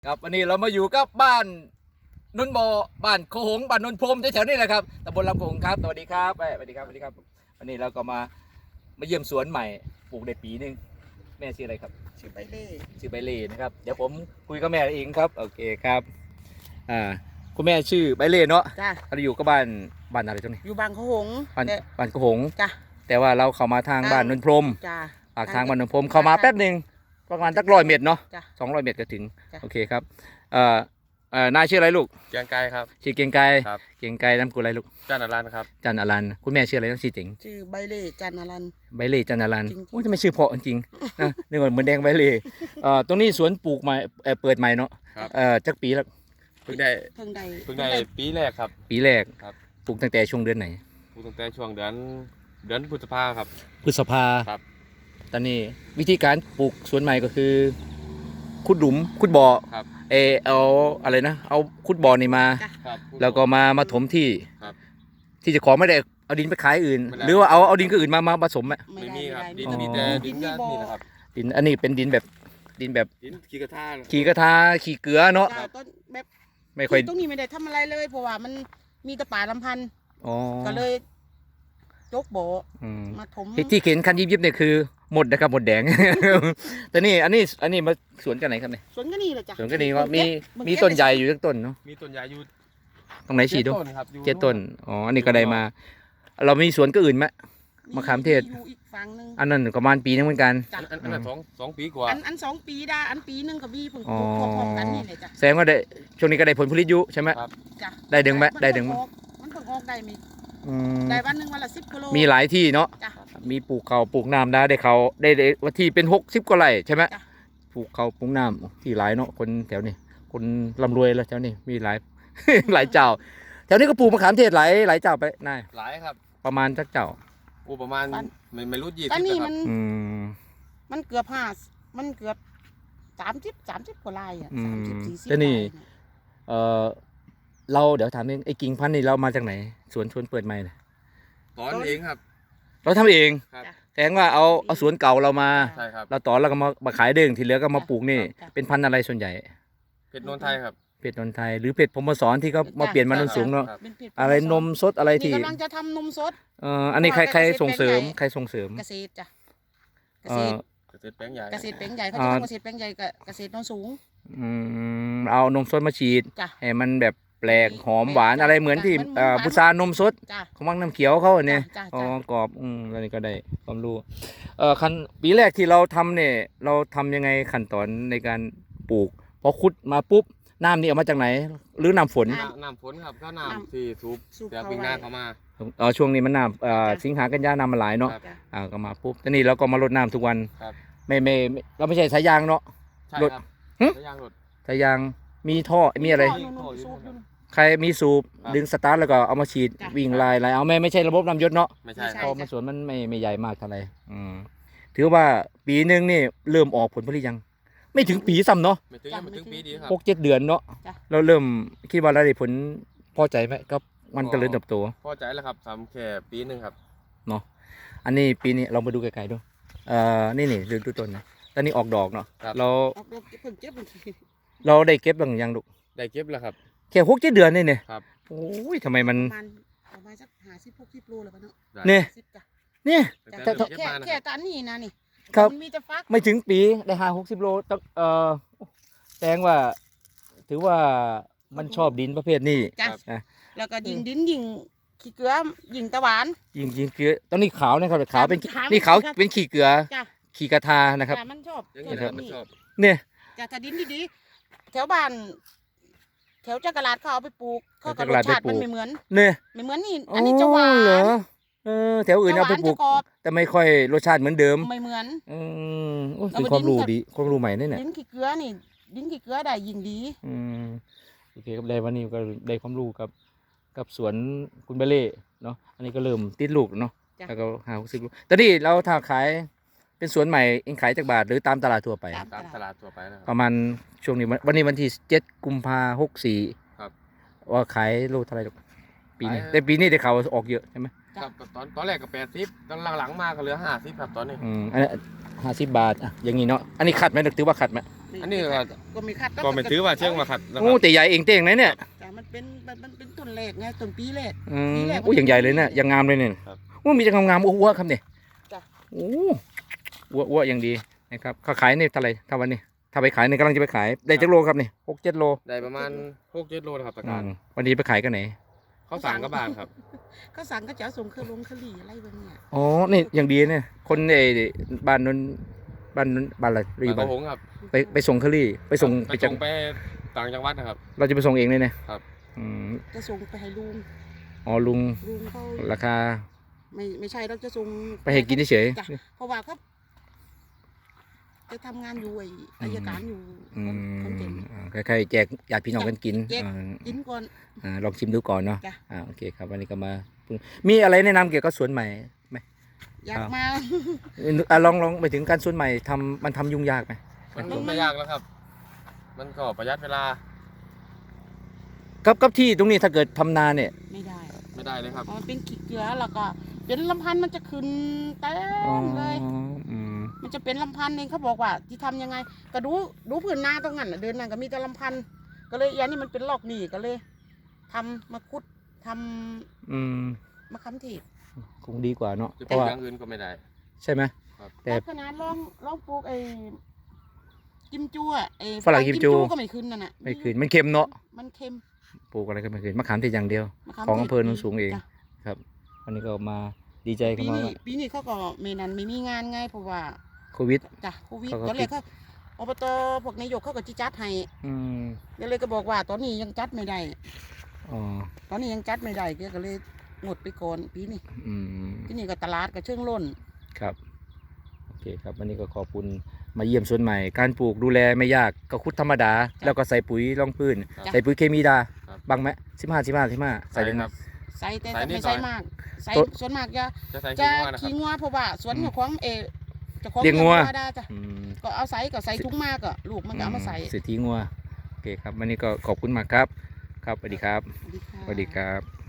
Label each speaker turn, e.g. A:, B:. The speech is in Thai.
A: ครับวันนี้เรามาอยู่กับบ้านนุ่นโบบ้านโคหงบ้านนนพรมแถวๆนี้แหละครับตำบลลำโขงครับสวัสดีครับสวัสดีครับสวัสดีครับวันนี้เราก็มาเยี่ยมสวนใหม่ปลูกได้ปีนึงแม่ชื่ออะไรครับ
B: ชื่อใบเล่
A: ชื่อใบเล่นะครับเดี๋ยวผมคุยกับแม่เองครับโอเคครับคุณแม่ชื่อใบเล่เนาะ
B: จ้ะ
A: เราอยู่กับบ้านอะไรตรงนี้
B: อยู่บางขหง
A: บ้านโคหง
B: จ้ะ
A: แต่ว่าเราเข้ามาทางบ้านนนพรม
B: จ้ะ
A: ปากทางบ้านนนพรมเข้ามาแป๊บหนึ่งประมาณสัก100 เมตรเนาะ
B: จ้ะ
A: 200 เมตรก็ถึง
B: จ้ะ
A: โอเคครับนายชื่ออะไรลูก
C: เกียงไกรครับ
A: ชื่อเกียงไกร
C: ครับ
A: เกียงไกรนามสกุลอะไรลูก
C: จ้านารันครับ
A: จันอลันคุณแม่ชื่ออะไรต้องชื่อจริง
B: ชื่อใบเล่จันอรัน
A: ใบเล่จันอลัน
B: จริงๆ
A: โอ้ยทำไมชื่อเพราะจริงๆนะนึกว่าเหมือนแดงใบเล่ตรงนี้สวนปลูกใหม่เปิดใหม่เนาะ
C: ครับ
A: จักปีแล้ว
C: เพิ่งได้
B: เพิ่งได้
C: เพิ่งได้ปีแรกครับ
A: ปีแรก
C: ครับ
A: ปลูกตั้งแต่ช่วงเดือนไหน
C: ปลูกตั้งแต่ช่วงเดือนพฤษภาครับ
A: พฤษภา
C: ครับ
A: ตอนนี้วิธีการปลูกสวนใหม่ก็คือขุดหลุมขุดบ่อ
C: ครับ
A: เอาอะไรนะเอาขุดบ่อนี่มา
B: จ้ะ
C: ครับ
A: แล้วก็มาถมที่
C: ครับ
A: ที่เจะของไม่ได้เอาดินไปขายอื่น
C: ไม่ได้
A: หรือว่าเอาดินก็อื่นมาผสมอะ
C: ไม่มีครับดิน
A: อ๋อ
C: มีแต่ดิน
B: มี
C: ด้าน
B: บ่อ
C: นี่นะครับ
A: ดินอันนี้เป็นดินแบบดินแบบ
C: ดินขี้กระทะ
A: ขี่กระทาขี่เกลือเนาะ
B: จ้ะต้นแบบ
A: ไม่ค่อย
B: ตรงนี้ไม่ได้ทำอะไรเลยเพราะว่ามันมีแต่ป่าลำพันธ์
A: อ๋อ
B: ก็เลยยกบ่อ
A: อืม
B: มาถม
A: ที่เข็นคันยิบๆเนี่ยคือหมดนะครับหมดแดง แต่นี่อันนี้มาสวนกันไหนครับเนี่ย
B: สวนก็นี่แหละจ้ะ
A: สวนกันนี่ก็มี
B: เบิ่ง
A: มี
B: เก็บ
A: ต้นใหญ่อยู่สักต้นเนาะ
C: มีต้นใหญ่อยู่
A: ตรงไหนฉีดดู
C: 7 ต้นครับอยู่
A: 7 ต้นอ๋ออันนี้ก็ได้มา เรามีสวนก็อื่นไหม มะขามเทศ
B: อยู่อีกฝั่งหนึง
A: อันนั้นประมาณปีนึงเหมือนกัน
B: จ้ะ
C: อันนั้นสองปีกว่า
B: อัน2 ปีได้อันปีหนึงก็มีเพิ่ง
A: อ๋อ
B: ปลูกพร้อมๆกันนี่เลยจ้ะ
A: แสดงว่าได้ช่วงนี้ก็ได้ผลผลิตอยู่ใช่ไหม
C: ครับ
B: จ้ะ
A: ได้ดึงไหมได้ดึงไหม
B: มันเพิ่งออกได้มี
A: อืม
B: ได้วันหนึงวันละ10 กิโล
A: มีหลายที่เนาะ
B: จ้ะ
A: มีปลูกเขาปลูกน้ำได้เขาได้ว่าที่เป็น60 กว่าไร่ใช่ไหม
B: จ้ะ
A: ปลูกเขาปลูกน้ำที่หลายเนาะคนแถวนี้คนร่ำรวยแล้วแถวนี้มีหลาย หลายเจ้าแถวนี้ก็ปลูกมะขามเทศหลายเจ้าไปนาย
C: หลายครับ
A: ประมาณสักเจ้า
C: โอ้ประมาณไม่รู้20
B: ตอนนี้
C: นะค
B: มั
C: รับ
B: น
A: อืม
B: มันเกือบมันเกือบ30 กว่าลายอ่ะ
A: อืม
B: 30 40
A: แต่นี่
B: ลายเย
A: เออเราเดี๋ยวถามนึงไอ้กิ่งพันธุ์นี่เรามาจากไหนสวนเปิดใหม่เนี่ย
C: ตอนเองครับ
A: เราทำเอง
C: ครับ
A: แสดงว่าเอาสวนเก่าเรามา
C: ใช่ครับ
A: เราตอนเราก็มาขายเด้งที่เหลือก็มาปลูกนี่
B: จ้ะ
A: เป็นพันธุ์อะไรส่วนใหญ่
C: เพชรโนนไทยครับ
A: เพชรนนทไทยหรือเพชรพรหมสอนที่เขามาเปลี่ยนมาโนนสูงเนาะ
C: ครับ
B: เป็นเพจ
A: อะไรนมสดอะไร
B: นี่
A: ที่
B: กำลังจะทำนมสด
A: อันนี้ใคร
B: เพราะว่า
A: ส่งเสริม
B: เกษตรแปลงใหญ่
A: ใครส่งเสริม
B: เกษตรจ้ะเก
A: เอ่
B: ษ
A: อ
B: ตร
C: เกษตรแปลงใหญ่
B: เกษตรแปลงใหญ่เขา
A: อ่า
B: จะทำเกษตรแปลงใหญ่กับเกษตรโนนสูง
A: เอานมสดมาฉีด
B: จ้ะ
A: ให้มันแบบแปลกหอมหวานอะไรเหมือนที่
B: เหมือนหวาน
A: พุทรานมสด
B: จ้ะ
A: ของวังน้ำเขียวเขาเนี่ย
B: จ้ะ
A: อ๋อ
B: จ้ะ
A: กรอบแล้วนี่ก็ได้ความรู้คันปีแรกที่เราทำเนี่ยเราทำยังไงขั้นตอนในการปลูกพอขุดมาปุ๊บน้ำนี่เอามาจากไหน หรือน้ำฝน
C: น้ำฝนครับก็น้ำที่สูบ
B: สูบ
C: จาก
B: เข้า
C: วิ่งหน้า
B: ไว้
C: เข้ามา
A: ช่วงนี้มันน้ำ
B: จ้ะ
A: สิงหากันยาน้ำมันหลายเนาะ
C: ครับ
B: จ้ะ
A: ก็มาปุ๊บแต่นี่เราก็มารดน้ำทุกวัน
C: ครับ
A: ไม่เราไม่ใช่สายยางเนาะ
C: ใช่
A: รถ
C: ครับ
A: หึ
C: สายยางรถ
A: สายยางมีท่อมีอะไร
B: ท่นู่นๆสูบอยู่นู่น
A: ใครมีสูบ
C: ครับ
A: ดึงสตาร์ทแล้วก็เอามาฉีด
B: จ้ะ
A: วิ่งลายเอาไม่ใช่ระบบน้ำยศเนาะ
C: ไม่ใช่
B: ไม่ใช่
C: ครับ
A: เพราะมันสวนมันไม่ใหญ่มากเท่าไหร่ถือว่าปีหนึงนี่เริ่มออกผลผลิตยัง ไม่ถึงปีซ้ำเนาะ
C: ไม่ถึงยังไม่ถึงปีดีครับ
A: 6-7 เดือนเนาะ
B: จ้ะ
A: เราเริ่มคิดว่าเราได้ผลพอใจไหมกับมันเจริญเติบโต
C: พอใจแล้วครับทำแค่ปีหนึ่งครับ
A: เนาะอันนี้ปีนี้เรามาดูไกลๆดูนี่ดูต้นนะตอนนี้ออกดอกเนาะ
C: ครับ
A: เรา
B: ออกดอกเพิ่งเก็บมัน
A: เราได้เก็บบ้างยังลูก
C: ได้เก็บแล้วครับ
A: แค่6-7 เดือนนี่เนี่ย
C: ครับ
A: โอ้ยทำไมมัน
B: ประมาณสัก50-60 โลแล้วปะเนาะ
C: ได้
A: เนี่ย
B: 10จ้ะ
A: เนี่ย
C: ตั้ง
B: จ้ะ
C: แต่
B: แค่
C: เก็บมานะ
B: แค่
C: ครับ
B: ตันนี่นะนี่
A: ครับ
B: มันมีแต่ฟัก
A: ไม่ถึงปีได้50-60 โลต้องแสดงว่า ถือว่ามันชอบดินประเภทนี้
B: จ้ะ
A: อ่ะ
B: แล้วก็ยิงดินยิงขี้เกลือยิงตะหวาน
A: ยิงเกลือตอนนี้ขาวนะครับขาวเป็น
B: ขาว
A: นี่ขาว
B: ครับ
A: เป็นขี้เกลือ
B: จ้ะ
A: ขี้กระทานะครับ
B: จ้ะมันชอบ
C: อย่าง
B: ช
C: นี้
B: อบ
C: นะ
B: แบ
C: ครับ บมัน
B: นี้
C: ชอบ
A: เนี่ย
B: จ้ะถ้าดินดีๆแถวบ้าน แถวจักรลาดเขาเอาไปปลูกเขาก็รสชาติมันไม่เหมือน
A: เนี่ย
B: ไม่เหมือนนี่อันนี้จะหวาน
A: เหรอแถวอื่นเอาไปปลูก
B: จะหวานจะกรอบ
A: แต่ไม่ค่อยรสชาติเหมือนเดิม
B: ไม่เหมือน
A: โอ้ย
B: เอา
A: เป็น
B: ไป
A: ความรู้
B: ดิ้นกับ
A: ดีความรู้ใหม่เนี่ย
B: ดินขี้เกลือนี่ดินขี้เกลือได้ยิ่งดี
A: อืมโอเคครับได้วันนี้ก็ได้ความรู้กับสวนคุณเบเล่เนาะอันนี้ก็เริ่มติดลูกเนาะ
B: จ้ะ
A: แล้วก็50 ลูกตอนนี้เราถ้าขายเป็นสวนใหม่เองขายจากบาทหรือตามตลาดทั่วไป
C: ตามตลาดทั่วไปนะครับ
A: ประมาณช่วงนี้วันนี้วันที่7 กุมภา64
C: ครับ
A: ว่าขายโลเท่าไหร่ลูกปีนี้
C: ขาย
A: แต่ปีนี้ได้ข่าวว่าออกเยอะใช่ไหม
C: ครับตอนแรกก็80ตอนหลังๆมาก็เหลือ50ครับตอนนี้
A: อันนี้50 บาทอ่ะอย่างนี้เนาะอันนี้ขัดไหมถือว่าขัดไหม
C: อันนี้ก็
B: ก็ไม่คัด
C: ก็ไม่ถือว่าเชื่องมาขัดนะค
A: โอ้
C: รับ
A: แต่ใหญ่เองเต่งนะเนี่ย
B: แต่มันเป็นต้นแรกไงต้นปีแรก
A: โอ้อย่างใหญ่เลยเนี่ยอย่างงามเลยเนี่ยโอ้มีแต่งามๆอ้วๆครับเนี่ย
B: จ้ะ
A: โอ้อ้วอย่างดีนะครับเขาขายในเท่าไหร่ถ้าวันนี้ถ้าไปขายเนี่ยกำลังจะไปขายได้จักโลครับนี่6-7 โล
C: ได้ประมาณ6-7 โลนะครับตะการ
A: วันนี้ไปขายกันไหน
C: เขาสั่งกับบานครับ
B: เขาสั่งก็จะเอาส่งเครื่องคลีอะไรแบบเนี้ย
A: อ๋อนี่อย่างดีเนี่ยคนในบ้านนนบ้านอะไรรี
C: บา
A: บ้าน
C: นหงครับ
A: ไปส่งเคอรี่ไปส่ง
C: ไป
A: ไปจัง
C: ไปต่างจังหวัดนะครับ
A: เราจะไปส่งเองเลยเนี่ย
C: ครับ
B: จะส่งไปให้ลุง
A: อ๋อลุง
B: เขา
A: ราคา
B: ไม่ใช่เราจะส่ง
A: ไปให้กินเฉย
B: จ้ะเพราะว่าเขาจะทำงานอยู่ไอ้อัยการอยู่
A: ๆ
B: คนเก่ง
A: คล้ายๆแจกญาติพี่น้องกันกิน
B: แจก กินก่อน
A: ลองชิมดูก่อนเนาะ
B: จ้ะ
A: โอเคครับวันนี้ก็มามีอะไรแนะนำเกี่ยวกับสวนใหม่ไหม
B: อยากมา
A: ลองไปถึงการสวนใหม่มันทำยุ่งยากไหม
C: มันไม่ยากแล้วครับ มันก็ประหยัดเวลา
A: กับที่ตรงนี้ถ้าเกิดทำนาเนี่ย
B: ไม่ได้
C: ไม่ได้เลยครับ
B: มันเป็นขี้เกลือแล้วก็เป็นลำพันธ์มันจะขึ้นเต็
A: อ๋อ
B: มเลย
A: อืม
B: มันจะเป็นลำพันธ์เองเขาบอกว่าที่ทำยังไงก็ดูผืนนาตรงนั้นน่ะเดินนั่นก็มีแต่ลำพันธ์ก็เลยอันนี้มันเป็นลอกหนีก็เลยทำมาคุดทำ
A: อืม
B: มะขามเทศ
A: คงดีกว่าเนาะ
C: จะ
A: เพ
C: ปลู
A: ราะ
C: ก
A: ว่า
C: อย่างอื่นก็ไม่ได้
A: ใช่ไหม
C: ครับ
A: แต่
B: ขนาดลองปลูกไอ้กิมจูอ่ะไอ้
A: ฝรั่งกิมจู
B: ก็ไม่ขึ้นนั่นน่ะ
A: ไม่คืนมันเค็มเนาะ
B: มันเค็ม
A: ปลูกอะไรก็ไม่คืนมะขามเทศอย่างเดียว
B: มะขาม
A: ของ
B: ทศ
A: อำเภอโนนสูงเอง
B: จ้ะ
A: ครับวันนี้ก็มาดีใจกัน
B: ปี
A: มา
B: นี้
A: ว่า
B: ปีนี้เขาก็ไม่มีงานไงเพราะว่า
A: โควิด
B: จ้ะโควิด
A: เขาก็
B: ตอนแรกเขาอบตพวกนายกเขาก็จิจัดให้
A: อืม
B: ก็เลยก็บอกว่าตอนนี้ยังจัดไม่ได้
A: อ๋อ
B: ตอนนี้ยังจัดไม่ได้ก็เลยงดไปก่อนปีนี้
A: อืม
B: ที่นี่ก็ตลาดก็เชิงล้น
A: ครับโอเคครับวันนี้ก็ขอบคุณมาเยี่ยมสวนใหม่ การปลูกดูแลไม่ยากก็คุดธรรมดา แล้วก็ใส่ปุ๋ยรองพื้น ใส่ปุ๋ยเคมีดา
C: ครับ
A: บังไหม15ใส่ได้ไหม
C: ครับ
B: ใส่แต่
C: ใส่นิด
B: ไม่ใส่
C: หน่อย
B: มากใส่
A: ตัว
B: ส่วนมากจะ
C: จะใส่
B: จะ
C: ขี้งัวนะครับ
B: ขี้งัวเพราะว่าสวนของเจะของ
A: เลี้ยงงัว
B: ได้จ้ะ
A: อืม
B: ก็เอาใส่ก็ใส่ถุงมากก็ลูกมันก็เอามาใส่
A: สิทธิงัวโอเคครับวันนี้ก็ขอบคุณมากครับครับสวัสดีครับ
B: สวัสดีค่ะ
A: สวัสดีครับ